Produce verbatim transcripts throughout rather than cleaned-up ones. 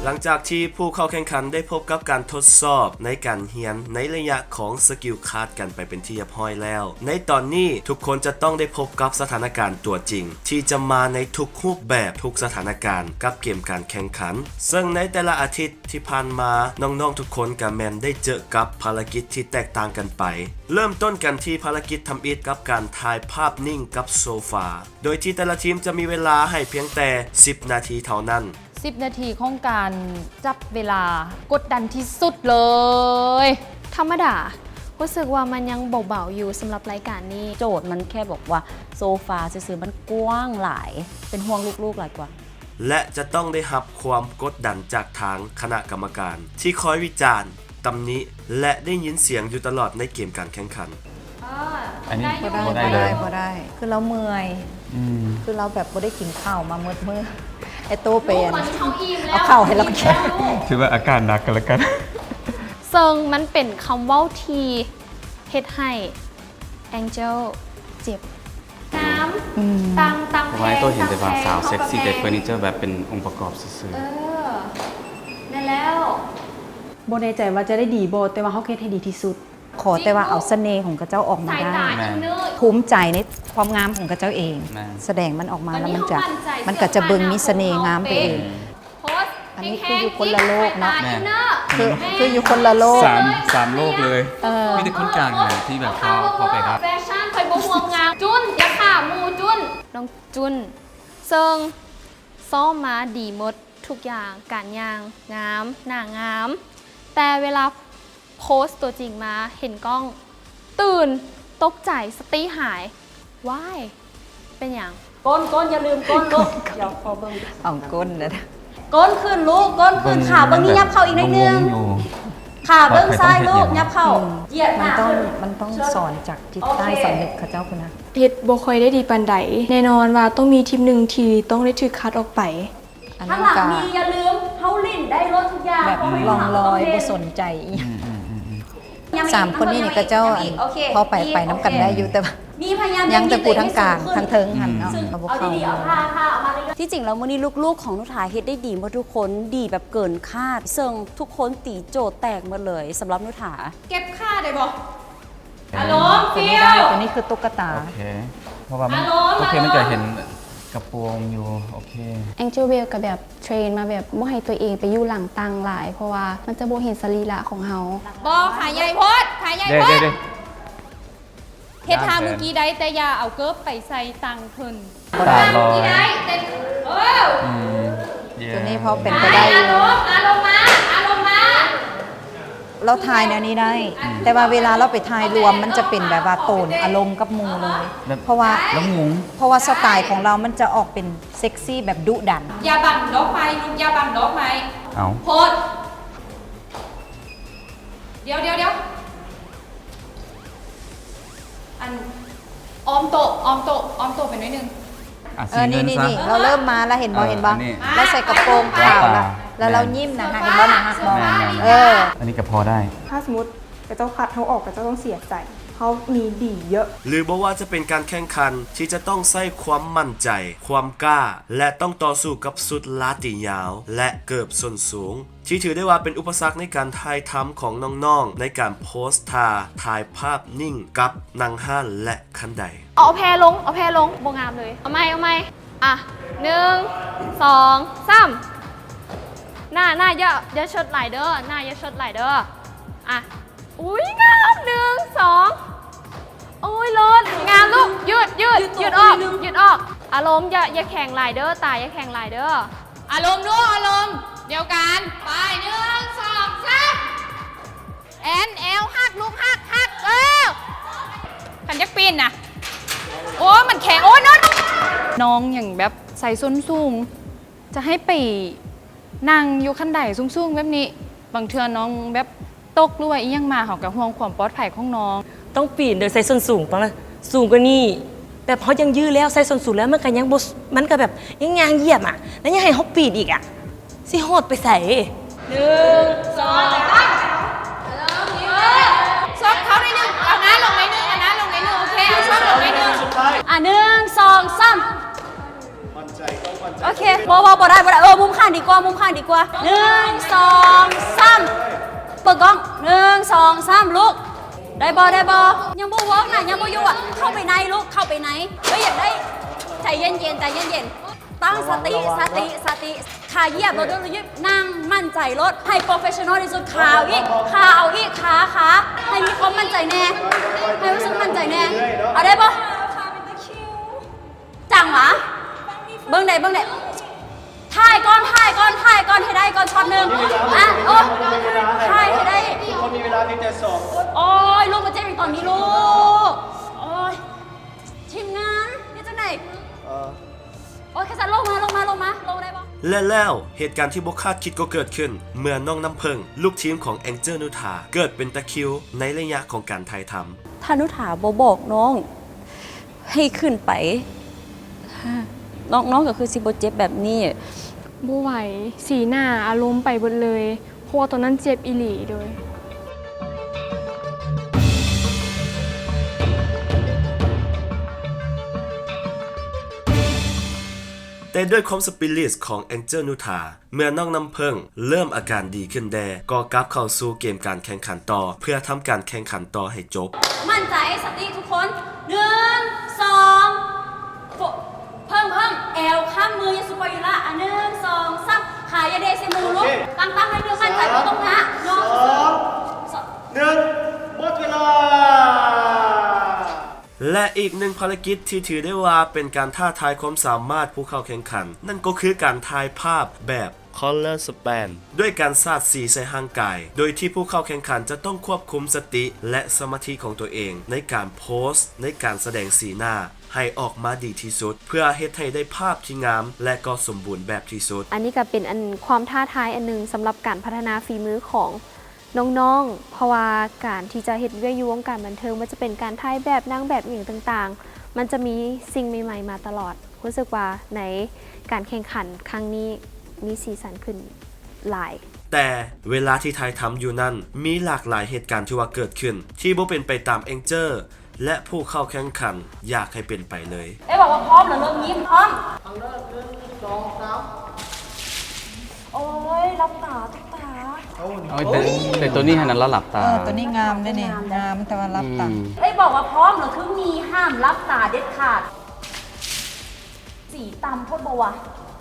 หลังจากที่ผู้เข้าแข่งขันได้พบกับการทดสอบในการเรียนในระยะของสกิลคาร์ดกันไปเป็นที่เรียบร้อยแล้วในตอนนี้ทุกคนจะต้องได้พบกับสถานการณ์ตัวจริงที่จะมาในทุกรูปแบบทุกสถานการณ์กับเกมการแข่งขันซึ่งในแต่ละอาทิตย์ที่ผ่านมาน้องๆทุกคนกับแมนได้เจอกับภารกิจที่แตกต่างกันไปเริ่มต้นกันที่ภารกิจทำอิฐกับการถ่ายภาพนิ่งกับโซฟาโดยที่แต่ละทีมจะมีเวลาให้เพียงแต่สิบนาทีเท่านั้นสิบนาทีของการจับเวลากดดันที่สุดเลยธรรมดารู้สึกว่ามันยังเบาๆอยู่สำหรับรายการนี้โจทย์มันแค่บอกว่าโซฟาซื้อๆมันกว้างหลายเป็นห่วงลูกๆหลายกว่าและจะต้องได้รับความกดดันจากทางคณะกรรมการที่คอยวิจารณ์ตำหนิและได้ยินเสียงอยู่ตลอดในเกมการแข่งขันอันนี้พอได้พอได้พอได้พอได้คือเราเมื่อยคือเราแบบไม่ได้กินข้าวมาเมื่อเมื่อไอโตเป็นเอาข้าวให้เรากินถือว่าอาการหนักกันแล้วกันเซิงมันเป็นคำเว้าทีเฮ็ดให้แองเจลเจ็บน้ำตังตังแพงไว้ตัวเห็นแต่ว่าสาวเซ็กซี่แต่เฟอร์นิเจอร์แบบเป็นองค์ประกอบซื่อๆเออได้แล้วโบในใจว่าจะได้ดีโบแต่ว่าเขาเฮ็ดให้ดีที่สุดขอแต่ว่าเอาเสน่ห์ของกระเจ้าออกมาได้ภูมิใจในความงามของกระเจ้าเองแสดงมันออกมาแล้วมันจะมันก็จะเบิ่งมีเสน่ห์งามไปเองอันนี้คืออยู่คนละโลกเนาะคือคืออยู่คนละโลกสามสามโลกเลยมีแต่คนกลางเลยที่แบบพอพอไปรับแฟชั่นคอยบ่ห่วงงามจุนอย่าข่ามูจุนน้องจุนเซิงซ้อมมาดีหมดทุกอย่างการย่างงามหน้างามแต่เวลาโพสต์ตัวจริงมาเห็นกล้องตื่นตกใจสติหายว้ายเป็นอย่างก้นก้นอย่าลืมก้นลูกเดี๋ยวพอเบิ่งอ่องก้นนะก้นขึ้นลูกก้นขึ้นขาเบิ่งนี่ยับเข่าอีกนิดนึงขาเบิ่งซ้ายลูกยับเข่าเหยียดหมันน้าต้องขึ้นมันต้องสอนจากจิตใต้สำนึกข้าเจ้าคุณนะเฮ็ดบ่ค่อยได้ดีปานใดแน่นอนว่าต้องมีทีมหนึ่งที่ต้องได้ถูกคัดออกไปข้างหลังมีอย่าลืมเฮาลิ้นได้รถทุกอย่างแบบลองลอยบ่สนใจสามคนนี้นี่ก็เจ้าพอไปไปน้ำกันได้อยู่แต่ว่ายังแต่ปูทั้งกลางทั้งเทิงหันเนาะเอาบุกเข้าที่จริงแล้วมื้อนี้ลูกๆของนุชาเฮ็ดได้ดีหมดทุกคนดีแบบเกินคาดเซิงทุกคนตีโจทย์แตกหมดเลยสำหรับนุชาเก็บค่าได้บ่อารมณ์ฟิลตัวนี้คือตุ๊กตาโอเคเพราะว่ามันโอเคมันจะเห็นกระโปรงอยู่โอเคแองเจิลเวลกับแบบเทรนมาแบบบ่ให้ตัวเองไปอยู่หลังตังหลายเพราะว่ามันจะบ่เห็นสรีระของเฮาบ่ขาใหญ่โพดขาใหญ่โพดเฮ็ดทางเมื่อกี้ได้แต่อย่าเอาเกิบไปใส่ตังเพิ่นตาลอยได้แต่เออตัวนี้พอเป็นไปได้อารมณ์อารมณ์มาอารมณ์มาเราทายแนวนี้ได้แต่ว่าเวลาเราไปทายรวมมันจะเป็นแบบว่าโตนอารมณ์กับมูเลยเพราะว่าแล้วงงเพราะว่าสไตล์ของเรามันจะออกเป็นเซ็กซี่แบบดุดันอย่าบังดอกไม้ลูกอย่าบังดอกไม้เอาโพดเดี๋ยวเดี๋ยวเดี๋ยวอันออมโตออมโตออมโตเป็นนิดนึงเออนี่นี่นี่เราเริ่มมาแล้วเห็นบอเห็นบอแล้วใส่กระโปรงขาวแล้วแล้วเรายิ้มนะฮะเห็นบอนะฮะบอเอออันนี้ก็พอได้ถ้าสมมติกระเจ้าคัดเขาออกกระเจ้าต้องเสียใจเขามีดีเยอะหรือบอกว่าจะเป็นการแข่งขันที่จะต้องใส่ความมั่นใจความกล้าและต้องต่อสู้กับสุดลาติยาวและเกือบส้นสูงที่ถือได้ว่าเป็นอุปสรรคในการถ่ายทำของน้องๆในการโพสต์ท่าถ่ายภาพนิ่งกับนางห้านและคันไดเอาแพรลงเอาแพรลงโบงามเลยเอาไหมเอาไหมอ่ะหนึ่งสองสามหน้าหน้าเยอะเยอะชดไหลเด้อหน้าเยอะชดไหลเด้ออ่ะอุ้ยงามหนึ่งสองโอ้ยรถงามลูกยืดยืดยืดออกยืดออกอารมณ์อย่าอย่าแข่งไหลเด้อตายอย่าแข่งไหลเด้ออารมณ์ด้วยอารมณ์เดียวกันไปหนึ่งสองสามแอนเอลหักลูกหักหักเออขันยักปีนนะโอ้มันแข็งโอ้น้องน้องอย่างแบบใส่ส้นสูงจะให้ไปนั่งอยู่ขั้นใดสูงๆแบบนี้บางเทื่อน้องแบบตกหรือว่าอีหยังมาเขากับห่วงความปลอดภัยของน้องต้องปีนโดยใส่ส้นสูงปะสูงกว่านี้แต่พอยังยื้อแล้วใส่ส้นสูงแล้วมันก็ยังบมันก็แบบยังยางเหยียบอ่ะแล้วยังให้เขาปีนอีกอ่ะสิโหดไปใส่หนึ่งสองสามซอกเขาได้หนึ่งเอาน้าลงในหนึ่งเอาน้าลงในหนึ่งโอเคเอาซอกลงในหนึ่งอ่ะหนึ่งสองสามมั่นใจโอเคบอบอบอได้บอได้เออมุมข้างดีกว่ามุมข้างดีกว่าหนึ่งสองสามเปิดกล้องหนึ่งสองสามลูกได้บอได้บอยังบ่เวิร์กนะยังบ่อยู่อ่ะเข้าไปในลูกเข้าไปในเฮ้ยอยากได้ใจเย็นเย็นใจเย็นเย็นตั้งสติสติสติขาเหยียบรถด้วยยึดนั่งมั่นใจรถให้โปรเฟชชั่นอลที่สุดขาเอาอีกขาเอาอีกขาขาให้มีความมั่นใจแน่ให้รู้สึกมั่นใจแน่เอาได้ปะจังหวะเบิ้งไหนเบิ้งไหนถ่ายก้อนถ่ายก้อนถ่ายก้อนให้ได้ก้อนช็อตหนึ่งอ่ะโอ้ถ่ายให้ได้คนมีเวลาเพียงแต่สองโอ้ยลูกมาเจ็บอีกตอนนี้ลูกโอ้ยทีมงานนี่จังไหนโอ้ยแค่สันลงมาลงมาลงมาลงได้ปะและแล้วเหตุการณ์ที่บกคาดคิดก็เกิดขึ้น เมื่อน้องน้ำเพิงลูกทีมของแองเจิลนุธาเกิดเป็นตะคริวในระยะของการถ่ายทำถ้านุถาบบอกน้องให้ขึ้นไปน้องน้องก็คือสิบเจ็บแบบนี้บ่ไหวสีหน้าอารมณ์ไปหมดเลยเพราะว่าตอนนั้นเจ็บอีหลีโดยแต่ด้วยความสปิริตของแองเจิลนุธาเมื่อน้องน้ำเพิงเริ่มอาการดีขึ้นแดก็กลับเข้าสู่เกมการแข่งขันต่อเพื่อทำการแข่งขันต่อให้จบมั่นใจสติทุกคนหนึ่งสองเพิ่มเพิ่มแอลข้ามมือยังสุปอยู่ละอ่ะหนึ่งสองสามขายาเดซิมูลุกตั้งตั้งให้เรื่องมั่นใจว่าตรงนะน้องสองหนึ่งหมดเวลา และอีกหนึ่งภารกิจที่ถือได้ว่าเป็นการท้าทายความสามารถผู้เข้าแข่งขัน นั่นก็คือการถ่ายภาพแบบ Color Span ด้วยการสาดสีใส่ห่างกาย โดยที่ผู้เข้าแข่งขันจะต้องควบคุมสติและสมาธิของตัวเองในการโพสต์ในการแสดงสีหน้าให้ออกมาดีที่สุด เพื่อเฮ็ดให้ได้ภาพที่งามและก็สมบูรณ์แบบที่สุดอันนี้ก็เป็นอันความท้าทายอันหนึงสำหรับการพัฒนาฝีมือของน้องๆ เพราะว่าการที่จะเฮ็ดเวียกอยู่วงการบันเทิงมันจะเป็นการถ่ายแบบนางแบบอย่างต่างๆ มันจะมีสิ่งใหม่ๆมาตลอดรู้สึกว่าในการแข่งขันครั้งนี้มีสีสันขึ้นหลายแต่เวลาที่ถ่ายทำอยู่นั้นมีหลากหลายเหตุการณ์ที่ว่าเกิดขึ้น ที่บ่เป็นไปตามแองเจิลและผู้เข้าแข่งขันอยากให้เป็นไปเลยเอ้บอกว่าพร้อมเหรอเริ่มยิ้มพร้อมทางเริ่มหนึ่งสองสามโอ้ยรับตาตุ๊กตาเอาแต่แต่ตัวนี้ให้นั้นแล้วหลับตาเออตัวนี้งามเลยเนี่ยงามแต่ว่ารับตังค์เอ้บอกว่าพร้อมเหรอคือมีห้ามรับตาเด็ดขาดสีตำโทษบวะ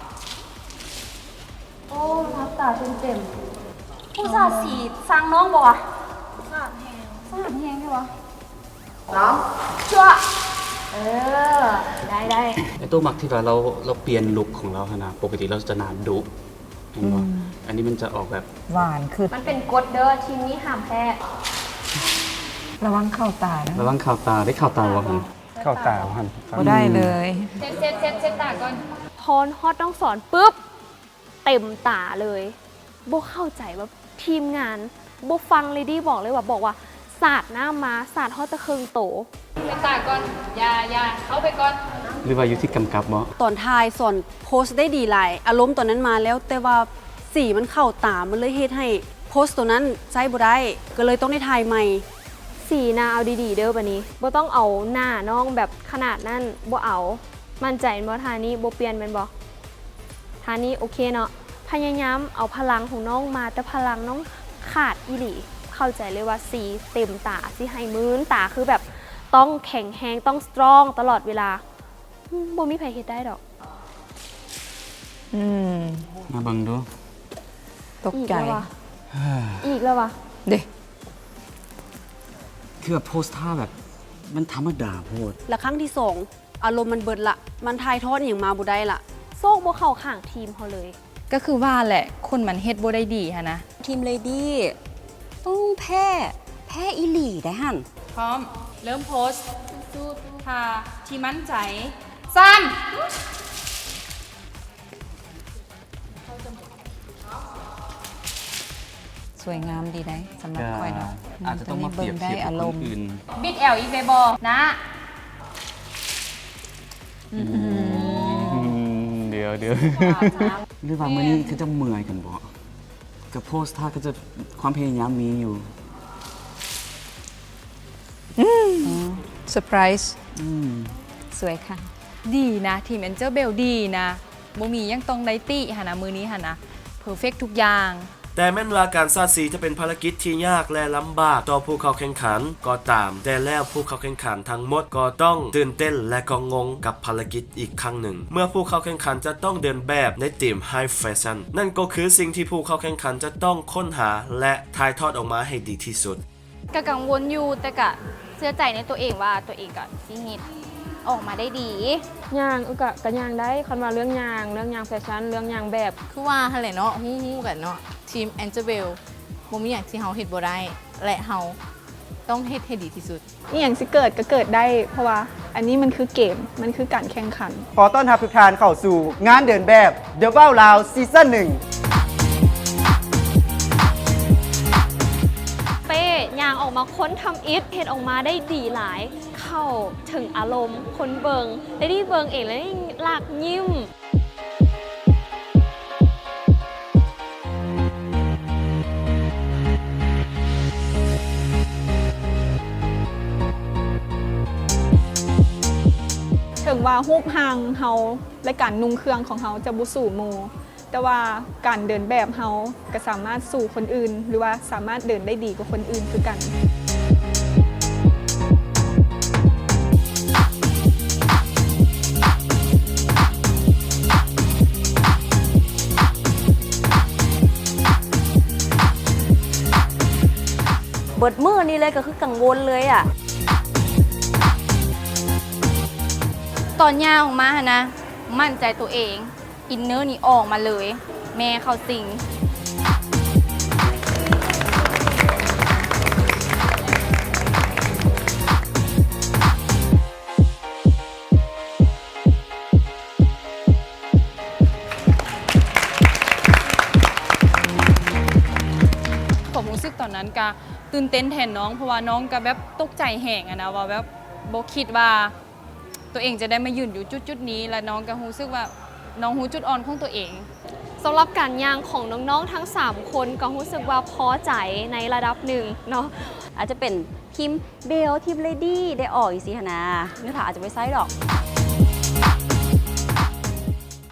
โอ้รับตาเต็มเต็มๆผู้สาสีสร้างน้องบวะสาดแหงสาดแหงใช่ปะสามชั่วเออได้ได้ไอ้ตัวมักที่ว่าเราเราเปลี่ยนลุคของเราขนาดปกติเราจะนานดุเห็นป่ะอันนี้มันจะออกแบบหวานคือมันเป็นกฎเด้อทีมนี้ห้ามแพ้ระวังเข้าตานะระวังข่าวตาได้ข่าวตาวะครับข่าวตาวะครับก็ได้เลยเซ็ตเซ็ตเซ็ตเซ็ตตาก่อนทอนฮอตต้องสอนปุ๊บเต็มตาเลยโบเข้าใจว่าทีมงานโบฟังเลดี้บอกเลยว่าบอกว่าศาสตร์หน้ามาศาสตร์ฮอตตะเคิงโตเซ็ตตาก่อนอย่าอย่าเข้าไปก่อนหรือว่าอยู่ที่กำกับบ่ตอนทายสอนโพสต์ได้ดีหลายอารมณ์ตอนนั้นมาแล้วแต่ว่าสีมันเข้าตามันเลยเฮ็ดให้โพสต์ตัวนั้นใช้บ่ได้ก็เลยต้องได้ทายใหม่สีหน้าเอาดีๆเด้อบัดนี้โบต้องเอาหน้าน้องแบบขนาดนั้นโบเอามั่นใจบ่ทานี้โบเปลี่ยนแม่นบ่ทานี้โอเคเนาะพยายามเอาพลังของน้องมาแต่พลังน้องขาดอีหลีเข้าใจเลยว่าสีเต็มตาสิให้มื้นตาคือแบบต้องแข็งแรงต้องสตรองตลอดเวลาบ่มีใครเฮ็ดได้ดอกอืมมาเบิ่งดูตกใจอีกแล้ววะเด้คือแบบโพสท่าแบบมันธรรมดาโพดและครั้งที่สองอารมณ์มันเบิดละมันทายทอดอย่างมาบ่ได้ละโซกบ่เข้าข้างทีมเขาเลยก็คือว่าแหละคนมันเฮ็ดบ่ได้ดีฮะนะทีมเลดี้ต้องแพ้แพ้อีหลีได้หั่นพร้อม เริ่มโพสต์ค่ะที่มั่นใจซ้ำสวยงามดีนะสำหรับคอยเนาะอาจจะต้องมาเปรียบเทียบกับคนอื่นบิดแอลอีเบบอนะเดี๋ยวเดี๋ยวหรือว่ามื้อนี้คือจะเมื่อยกันบ่กับโพสท่าก็จะความพยายามมีอยู่เซอร์ไพรส์สวยค่ะดีนะ ทีมแอนเจอร์เบลดีนะบ่มียังต้องได้ติหนนะมือนี้หนนะเพอร์เฟกทุกอย่างแต่แม้ว่าการสาดสีจะเป็นภารกิจที่ยากและลำบากต่อผู้เข้าแข่งขันก็ตามแต่แล้วผู้เข้าแข่งขันทั้งหมดก็ต้องตื่นเต้นและก็งงกับภารกิจอีกครั้งหนึ่งเมื่อผู้เข้าแข่งขันจะต้องเดินแบบในทีม High Fashion นั่นก็คือสิ่งที่ผู้เข้าแข่งขันจะต้องค้นหาและถ่ายทอดออกมาให้ดีที่สุดก็กังวลอยู่แต่ก็เชื่อใจในตัวเองว่าตัวเองก็สิเฮ็ดออกมาได้ดีย่างก็ก็ย่างได้คันว่าเรื่องย่างเรื่องย่างแฟชั่นเรื่องย่างแบบคือว่าหั่นแหละเนาะฮู้ๆกันเนาะทีมแอนเจเบลบ่มีหยังที่เฮาเฮ็ดบ่ได้และเฮาต้องเฮ็ดให้ดีที่สุดนี่อย่างสิเกิดก็เกิดได้ เพราะว่าอันนี้มันคือเกมมันคือการแข่งขันขอต้อนรับทุกท่านเข้าสู่งานเดินแบบ The Wow Loud ซีซั่นหนึ่งเป้ยางออกมาค้นทำอิทเฮ็ดออกมาได้ดีหลาย เข้าถึงอารมณ์คนเบิงได้ดีเบิงเองแล้วได้หลากยิ้มถึงว่าฮูบหางเฮาและการนุ่งเครื่องของเฮาจะบ่สู่หมู่แต่ว่าการเดินแบบเฮาก็สามารถสู่คนอื่น หรือว่าสามารถเดินได้ดีกว่าคนอื่นคือกันเบิดมือนี่เลยก็คือกังวลเลยอ่ะตอนย่างออกมาหนนะมั่นใจตัวเองอินเนอร์นี่ออกมาเลย แม่เขาสิง ผมรู้สึกตอนนั้นก็ตื่นเต้นแทนน้องเพราะว่าน้องก็แบบตกใจแหงอะนะว่าแบบบ่คิดว่าตัวเองจะได้มายืนอยู่จุดๆนี้และน้องก็รู้สึกว่าน้องรู้จุดอ่อนของตัวเองสำหรับการย่างของน้องๆทั้งสามคนก็รู้สึกว่าพอใจในระดับหนึ่งเนาะอาจจะเป็นทีมเบลทีมเลดี้ได้ออกอีกสิหนนะเนื้อผาอาจจะไม่ไซส์ดอก